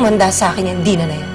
umanda sa akin yung Dina na yan.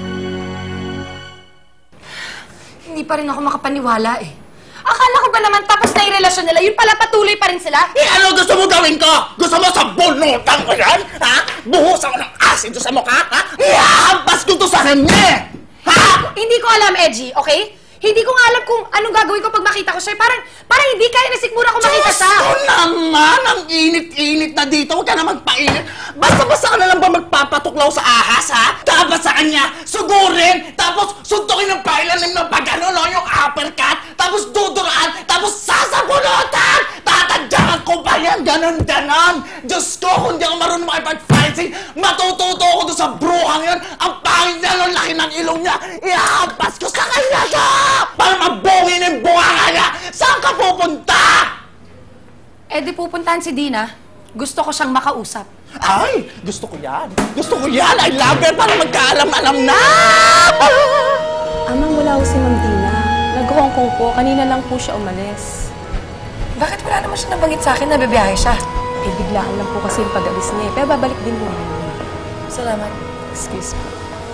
Hindi pa rin ako makapaniwala eh. Akala ko ba naman tapos na yung relasyon nila, yun pala patuloy pa rin sila? Eh, ano gusto mo gawin ko? Gusto mo sa bunutan ko yan? Ha? Buhusan ko ng asin doon sa mukha? Ha? Ihahampas ko to sa kanya! Ha? Hindi ko alam, Edgy, okay? Hindi ko nga alam kung anong gagawin ko pag makita ko siya. Parang hindi kaya na sigmura ko makita siya. Gusto naman! Ang init-init na dito. Huwag ka na magpainit. Basta-basta ka na lang ba magpapatuklaw sa ahas, ha? Dapat sa kanya, sugurin! Tapos suntukin ng pailalim ng pag-ano, no? Yung uppercut! Tapos duduraan! Tapos sasabunutan! Tatadyakan ko pa yan! Ganon-ganon! Diyos ko, kung di ako marunong makipag-fencing, matututo ako doon sa bruhang yan! Ang pangit niya, ang laki ng ilong niya! Ihahampas ko sa kanya siya! Para mabungin yung bunganga niya! Saan ka pupunta? Eh di pupuntahan si Dina. Gusto ko siyang makausap. Ay! Gusto ko yan! Gusto ko yan! I love it! Para magkaalam-alam na! Amang, wala ko si Ma'am Dina. Nag-Hong Kong po. Kanina lang po siya umalis. Bakit wala naman siya nabanggit sa akin na bibiyahe siya? Eh, biglaan lang po kasi yung pag-alis niya. Pero babalik din po. Salamat. Excuse me.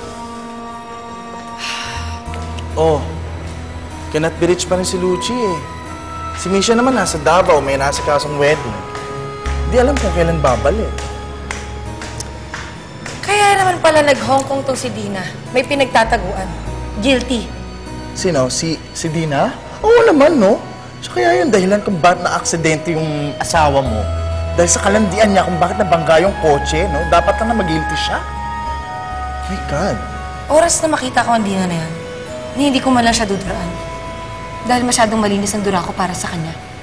Oh, cannot be rich pa rin si Lucci eh. Si Misha naman nasa Davao, may nasa kasong wedding. Di alam kung kailan babalik. Kaya naman pala nag-Hong Kong tong si Dina. May pinagtataguan. Guilty. Sino? Si Dina? Oo naman, no? So kaya yun, dahilan kung bakit na-aksidente yung asawa mo. Dahil sa kalandian niya kung bakit nabangga yung kotse, no? Dapat lang na mag-guilty siya. My God. Oras na makita ko ang Dina na yan, hindi ko man lang siya duduraan. Dahil masyadong malinis ang dura ko para sa kanya.